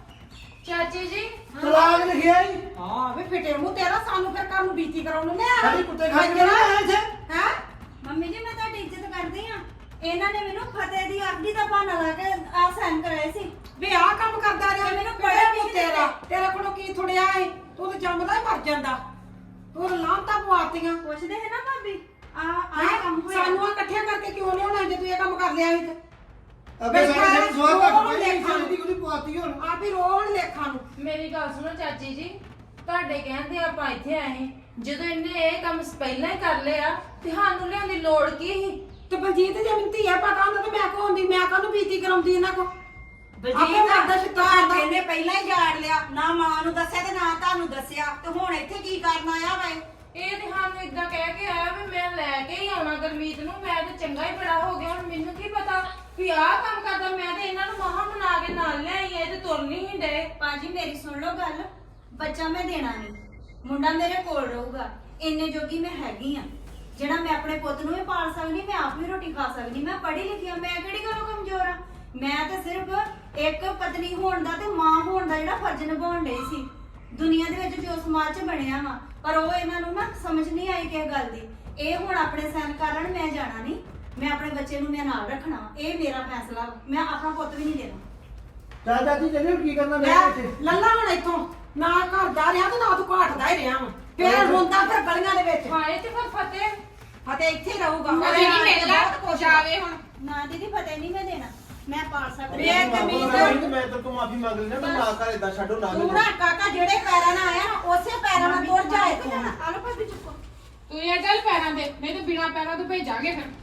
Speaker 3: ਚਾਚੀ ਜੀ
Speaker 4: ਤਲਾਕ ਲਿਖਿਆ ਹੀ
Speaker 1: ਹਾਂ ਵੇ ਫਿੱਟੇ ਮੂੰਹ ਤੇਰਾ, ਸਾਨੂੰ ਫਿਰ ਕੰਮ ਬੀਤੀ ਕਰਾਉਣ ਨੂੰ ਲਿਆ।
Speaker 4: ਸਾਡੀ ਕੁੱਤੇ ਖਾ ਕੇ ਨਾ ਆਇਆ ਇੱਥੇ।
Speaker 1: ਹੈ
Speaker 7: ਮੰਮੀ ਜੀ ਮੈਂ ਤੁਹਾਡੀ ਇੱਜ਼ਤ ਕਰਦੀ ਆ। ਇਹਨਾਂ ਨੇ ਮੈਨੂੰ ਫਤਿਹ ਦੀ ਆਖਦੀ ਦਾ ਬਹਾਨਾ ਲਾ ਕੇ ਆ ਸੈਨ ਕਰਾਏ ਸੀ।
Speaker 1: ਵੇ ਆਹ ਕੰਮ ਕਰਦਾ ਰਿਹਾ, ਮੈਨੂੰ
Speaker 7: ਤੇ
Speaker 1: ਬੜਾ
Speaker 7: ਮੈਨੂੰ
Speaker 1: ਮੂੰਹ ਤੇਰਾ ਤੇਰੇ ਕੋਲੋਂ ਕੀ ਥੁੜਿਆ ਏ? ਤੂੰ ਤਾਂ ਜੰਮਦਾ ਹੀ ਮਰ ਜਾਂਦਾ। ਤੂੰ ਲਾਂਤਾ ਪਵਾਤੀਆਂ।
Speaker 7: ਪੁੱਛਦੇ ਹੈ ਨਾ ਭਾਬੀ, ਆ ਆ
Speaker 1: ਹੈਂ?
Speaker 7: ਕੰਮ ਹੋਇਆ।
Speaker 1: ਸਾਨੂੰ ਆ ਇਕੱਠਿਆਂ ਕਰਕੇ ਕਿਉਂ ਲਿਆਉਣਾ ਜੇ ਤੂੰ ਇਹ ਕੰਮ ਕਰ ਲਿਆ ਸੀ ਤੇ?
Speaker 4: ਅੱਗੇ
Speaker 1: ਬਈ
Speaker 4: ਸਾਡੇ
Speaker 1: ਸਾਰੇ
Speaker 4: ਸਵਾਲ ਘੱਟ
Speaker 1: ਰੋਣ
Speaker 4: ਪਈ
Speaker 1: ਲੇਖਾਂ ਨੂੰ।
Speaker 4: ਦੀ ਉਹਦੀ ਪਵਾਤੀ ਹੁਣ।
Speaker 1: ਆਪ ਹੀ ਰੋਣ ਲੇਖਾਂ ਨੂੰ।
Speaker 3: ਮੇਰੀ ਗੱਲ ਸੁਣੋ ਚਾਚੀ ਜੀ, ਤੁਹਾਡੇ ਕਹਿੰਦੇ ਆਪਾਂ ਇੱਥੇ ਆਏ, ਜਦੋਂ ਇਹਨੇ ਇਹ ਕੰਮ ਪਹਿਲਾਂ ਹੀ ਕਰ ਲਿਆ ਤੇ ਸਾਨੂੰ ਲਿਆਉਣ ਦੀ ਲੋੜ ਕੀ ਸੀ?
Speaker 1: ਤੇ ਬਲਜੀਤ ਜੇ ਮੈਨੂੰ ਧੀਆ ਪਤਾ ਹੁੰਦਾ ਤੇ ਮੈਂ ਕੋ ਹੁੰਦੀ, ਮੈਂ ਕਾਹਨੂੰ ਬੀਤੀ ਕਰਾਉਂਦੀ ਇਹਨਾਂ ਕੋ? ਆਪੇ
Speaker 5: ਬਲਜੀਤ
Speaker 1: ਮਰਦਾ ਛਿੱਤਰ
Speaker 5: ਘਰ
Speaker 1: ਖਾਂਦਾ।
Speaker 5: ਇਹਨੇ ਪਹਿਲਾਂ ਹੀ ਜਾੜ ਲਿਆ, ਨਾ ਮਾਂ ਨੂੰ ਦੱਸਿਆ ਤੇ ਨਾ ਤੁਹਾਨੂੰ ਦੱਸਿਆ, ਤੇ ਹੁਣ ਇੱਥੇ ਕੀ ਕਰਨ ਆਇਆ ਵਾ ਇਹ?
Speaker 3: ਇਹ ਤੇ ਸਾਨੂੰ ਇਦਾਂ ਕਹਿ ਕੇ ਆਇਆ ਵੀ ਮੈਂ ਲੈ ਕੇ ਹੀ ਆਉਣਾ ਗੁਰਮੀਤ ਨੂੰ। ਮੈਂ ਤੇ ਚੰਗਾ ਹੀ ਬੜਾ ਹੋ ਗਿਆ, ਹੁਣ ਮੈਨੂੰ ਕੀ ਪਤਾ ਵੀ ਆਹ ਕੰਮ ਕਰਦਾ। ਮੈਂ ਤੇ ਇਹਨਾਂ ਨੂੰ ਮਹਾਂ ਬਣਾ ਕੇ ਨਾਲ ਲਿਆਈ, ਇਹ ਤੇ ਤੁਰ ਨਹੀਂ ਹੀ ਡੇ।
Speaker 7: ਭਾਜੀ ਮੇਰੀ ਸੁਣ ਲਓ ਗੱਲ, ਬੱਚਾ ਮੈਂ ਦੇਣਾ ਨਹੀਂ, ਮੁੰਡਾ ਮੇਰੇ ਕੋਲ ਰਹੂਗਾ। ਇੰਨੇ ਜੋਗੀ ਮੈਂ ਹੈਗੀ ਆ ਜਿਹੜਾ ਮੈਂ ਆਪਣੇ ਪੁੱਤ ਨੂੰ ਵੀ ਪਾਲ ਸਕਦੀ, ਮੈਂ ਆਪ ਵੀ ਰੋਟੀ ਖਾ ਸਕਦੀ। ਮੈਂ ਪੜ੍ਹੀ ਲਿਖੀ ਆ, ਮੈਂ ਕਿਹੜੀ ਗੱਲੋਂ ਕਮਜ਼ੋਰ ਆ? ਮੈਂ ਤਾਂ ਸਿਰਫ ਇੱਕ ਪਤਨੀ ਹੋਣ ਦਾ ਤੇ ਮਾਂ ਹੋਣ ਦਾ ਜਿਹੜਾ ਫਰਜ਼ ਨਿਭਾਉਣ ਡਈ ਸੀ ਦੁਨੀਆ ਦੇ ਵਿੱਚ ਜੋ ਸਮਾਜ 'ਚ ਬਣਿਆ ਵਾ। ਪਰ ਉਹ ਇਹਨਾਂ ਨੂੰ ਨਾ ਸਮਝ ਨਹੀਂ ਆਈ ਕਿਸੇ ਗੱਲ ਦੀ। ਇਹ ਹੁਣ ਆਪਣੇ ਸੈਨ ਕਰ ਲੈਣ, ਮੈਂ ਜਾਣਾ ਨਹੀਂ। ਮੈਂ ਆਪਣੇ ਬੱਚੇ ਨੂੰ ਮੈਂ ਨਾਲ ਰੱਖਣਾ, ਇਹ ਮੇਰਾ ਫੈਸਲਾ। ਮੈਂ ਆਪਣਾ ਪੁੱਤ ਵੀ ਨਹੀਂ ਦੇਣਾ।
Speaker 4: ਚੱਲ ਚਾਚੀ ਚੱਲੇ ਕੀ ਕਰਨਾ ਮੈਂ
Speaker 1: ਲੈ
Speaker 4: ਇੱਥੇ?
Speaker 1: ਲੱਲਾ ਹੁਣ ਇੱਥੋਂ ਨਾ ਘਰ ਜਾ ਰਿਹਾ ਤੇ ਨਾ ਤੂੰ ਘਾਟਦਾ ਹੀ ਰਿਹਾ ਵਾ। ਫੇਰ ਰੋਂਦਾ ਫਿਰ ਗਲੀਆਂ ਦੇ ਵਿੱਚ।
Speaker 3: ਹਾਏ ਤੇ ਫਿਰ ਫਤਿਹ
Speaker 1: ਫਤੇ ਇੱਥੇ ਹੀ ਰਹੂਗਾ।
Speaker 6: ਅਸੀਂ ਨਹੀਂ ਮਿਲਣਾ, ਜਾਵੇ ਹੁਣ।
Speaker 7: ਨਾ ਦੀਦੀ ਫਤਿਹ ਨਹੀਂ ਮੈਂ ਦੇਣਾ, ਮੈਂ ਪਾਲ ਸਕਦੀ
Speaker 1: ਵੇ
Speaker 7: ਹਾਂ।
Speaker 1: ਕਮੀਜ਼
Speaker 2: ਮੈਂ ਤੇ ਤੂੰ ਮਾਫੀ ਮੰਗ ਲੈਣਾ, ਮੈਂ ਨਾ ਕਰ ਇਦਾਂ ਛੱਡੋ ਨਾ
Speaker 1: ਤੂੰ ਨਾ ਕਾਕਾ ਜਿਹੜੇ ਪੈਰਾਂ ਨਾਲ ਆਇਆ ਨਾ ਉਸੇ ਪੈਰਾਂ ਨਾਲ ਤੁਰ ਜਾ ਇੱਥੋਂ।
Speaker 7: ਆਲੋ ਭਾਬੀ ਚੁੱਕੋ।
Speaker 6: ਤੂੰ ਇਹ ਚੱਲ ਪੈਰਾਂ ਤੇ, ਨਹੀਂ ਤਾਂ ਬਿਨਾਂ ਪੈਰਾਂ ਤੋਂ ਭੇਜਾਂਗੇ ਫਿਰ।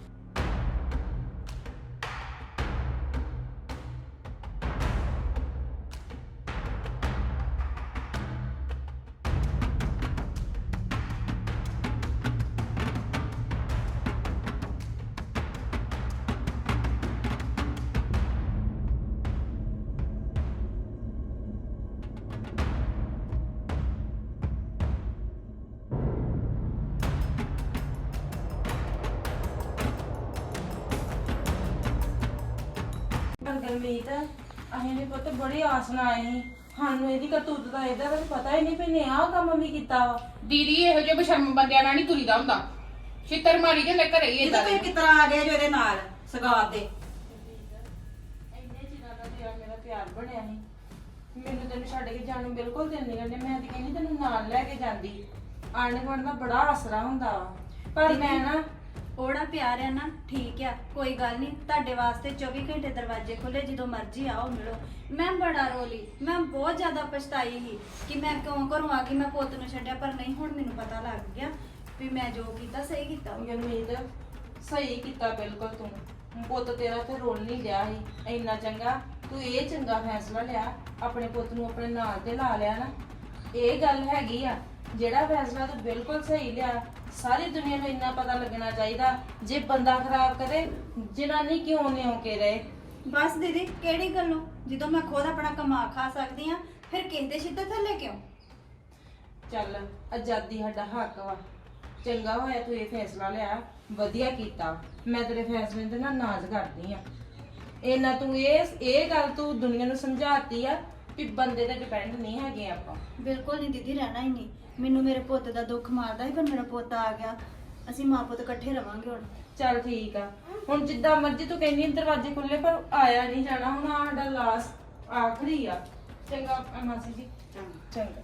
Speaker 3: ਗਰਮੀਤ ਅਸੀਂ ਨੇ ਪੁੱਤ ਬੜੀ ਆਸ ਨਾਲ ਆਏ ਸੀ। ਸਾਨੂੰ ਇਹਦੀ ਕਰਤੂਤ ਦਾ ਇਹਦਾ ਤਾਂ ਪਤਾ ਹੀ ਨਹੀਂ ਵੀ ਨੇ ਆਹ ਕੰਮ ਵੀ ਕੀਤਾ ਵਾ।
Speaker 6: ਦੀਦੀ ਇਹੋ ਜਿਹੇ ਬਸ਼ਰਮ ਬੰਦਿਆਂ ਨਾਲ ਨਹੀਂ ਤੁਰੀਦਾ ਹੁੰਦਾ, ਛਿੱਤਰ ਮਾਰੀ ਜਾਂਦੇ ਘਰੇ ਹੀ
Speaker 5: ਇਹ
Speaker 6: ਏਦਾਂ
Speaker 5: ਤਾਂ
Speaker 6: ਦੇ।
Speaker 5: ਤੁਸੀਂ ਕਿਤਰਾ ਆ ਗਏ ਜੋ ਇਹਦੇ ਨਾਲ ਸਗਾਤ ਦੇ।
Speaker 3: ਇੰਨੇ ਚਿਰਾਂ ਦਾ ਤੇਰਾ ਮੇਰਾ ਪਿਆਰ ਬਣਿਆ ਸੀ, ਮੈਨੂੰ ਤੈਨੂੰ ਛੱਡ ਕੇ ਜਾਣ ਨੂੰ ਬਿਲਕੁਲ ਦਿਲ ਨਹੀਂ ਕਰਨੇ। ਮੈਂ ਤਾਂ ਕਹਿੰਦੀ ਤੈਨੂੰ ਨਾਲ ਲੈ ਕੇ ਜਾਂਦੀ। ਆਂਢ ਗੁਆਂਢ ਦਾ ਬੜਾ ਆਸਰਾ ਹੁੰਦਾ ਵਾ, ਪਰ ਮੈਂ ਨਾ
Speaker 7: ਉਹੜਾ ਪਿਆਰ ਹੈ ਨਾ, ਠੀਕ ਆ, ਕੋਈ ਗੱਲ ਨਹੀਂ। ਤੁਹਾਡੇ ਵਾਸਤੇ ਚੌਵੀ ਘੰਟੇ ਦਰਵਾਜ਼ੇ ਖੁੱਲੇ, ਜਦੋਂ ਮਰਜ਼ੀ ਆਓ ਮਿਲੋ। ਮੈਂ ਬੜਾ ਰੋਲੀ, ਮੈਂ ਬਹੁਤ ਜ਼ਿਆਦਾ ਪਛਤਾਈ ਸੀ ਕਿ ਮੈਂ ਕਿਉਂ ਘਰੋਂ ਆ ਗਈ, ਮੈਂ ਪੁੱਤ ਨੂੰ ਛੱਡਿਆ। ਪਰ ਨਹੀਂ, ਹੁਣ ਮੈਨੂੰ ਪਤਾ ਲੱਗ ਗਿਆ ਵੀ ਮੈਂ ਜੋ ਕੀਤਾ ਸਹੀ ਕੀਤਾ।
Speaker 3: ਗਰਮੀਤ ਸਹੀ ਕੀਤਾ ਬਿਲਕੁਲ ਤੂੰ। ਪੁੱਤ ਤੇਰਾ ਤੇ ਰੋਲ ਨਹੀਂ ਲਿਆ ਸੀ ਇੰਨਾ ਚੰਗਾ। ਤੂੰ ਇਹ ਚੰਗਾ ਫੈਸਲਾ ਲਿਆ, ਆਪਣੇ ਪੁੱਤ ਨੂੰ ਆਪਣੇ ਨਾਲ ਤੇ ਲਾ ਲਿਆ ਨਾ। ਇਹ ਗੱਲ ਹੈਗੀ ਆ, ਜਿਹੜਾ ਫੈਸਲਾ ਤੂੰ ਬਿਲਕੁਲ ਸਹੀ ਲਿਆ। ਸਾਰੀ ਦੁਨੀਆ ਨੂੰ ਇੰਨਾ ਪਤਾ ਲੱਗਣਾ ਚਾਹੀਦਾ, ਜੇ ਬੰਦਾ ਖਰਾਬ ਕਰੇ ਜਨਾਨੀ ਕਿਉਂ ਨਿਉ ਕੇ ਰਹੇ।
Speaker 7: ਬਸ ਦੀਦੀ, ਕਿਹੜੀ ਗੱਲੋਂ? ਜਦੋਂ ਮੈਂ ਖੁਦ ਆਪਣਾ ਕਮਾ ਖਾ ਸਕਦੀ ਆ, ਫਿਰ ਕਿਸੇ ਦੇ ਛਿੱਤਰ ਥੱਲੇ ਕਿਉਂ?
Speaker 3: ਚੱਲ, ਆਜ਼ਾਦੀ ਸਾਡਾ ਹੱਕ ਵਾ। ਚੰਗਾ ਹੋਇਆ ਤੂੰ ਇਹ ਫੈਸਲਾ ਲਿਆ, ਵਧੀਆ ਕੀਤਾ। ਮੈਂ ਤੇਰੇ ਫੈਸਲੇ ਤੇ ਨਾ ਨਾਜ਼ ਕਰਦੀ ਆ। ਇਹਨਾਂ ਤੂੰ ਇਹ ਇਹ ਗੱਲ ਤੂੰ ਦੁਨੀਆ ਨੂੰ ਸਮਝਾਤੀ ਆ ਕਿ ਬੰਦੇ ਤੇ ਡਿਪੈਂਡ ਨਹੀਂ ਹੈਗੇ ਆਪਾਂ।
Speaker 7: ਬਿਲਕੁਲ ਨਹੀਂ ਦੀਦੀ, ਰਹਿਣਾ ਹੀ ਨਹੀਂ। ਮੈਨੂੰ ਮੇਰੇ ਪੁੱਤ ਦਾ ਦੁੱਖ ਮਾਰਦਾ ਸੀ, ਪਰ ਮੇਰਾ ਪੁੱਤ ਆ ਗਿਆ। ਅਸੀਂ ਮਾਂ ਪੁੱਤ ਇਕੱਠੇ ਰਵਾਂਗੇ ਹੁਣ।
Speaker 3: ਚੱਲ ਠੀਕ ਆ, ਹੁਣ ਜਿੱਦਾਂ ਮਰਜ਼ੀ ਤੂੰ ਕਹਿੰਦੀ ਦਰਵਾਜ਼ੇ ਖੁੱਲੇ, ਪਰ ਆਇਆ ਨਹੀਂ ਜਾਣਾ। ਹੁਣ ਆਹ ਸਾਡਾ ਲਾਸਟ ਆਖਰੀ ਆ। ਚੰਗਾ ਮਾਸੀ ਜੀ, ਚੰਗਾ।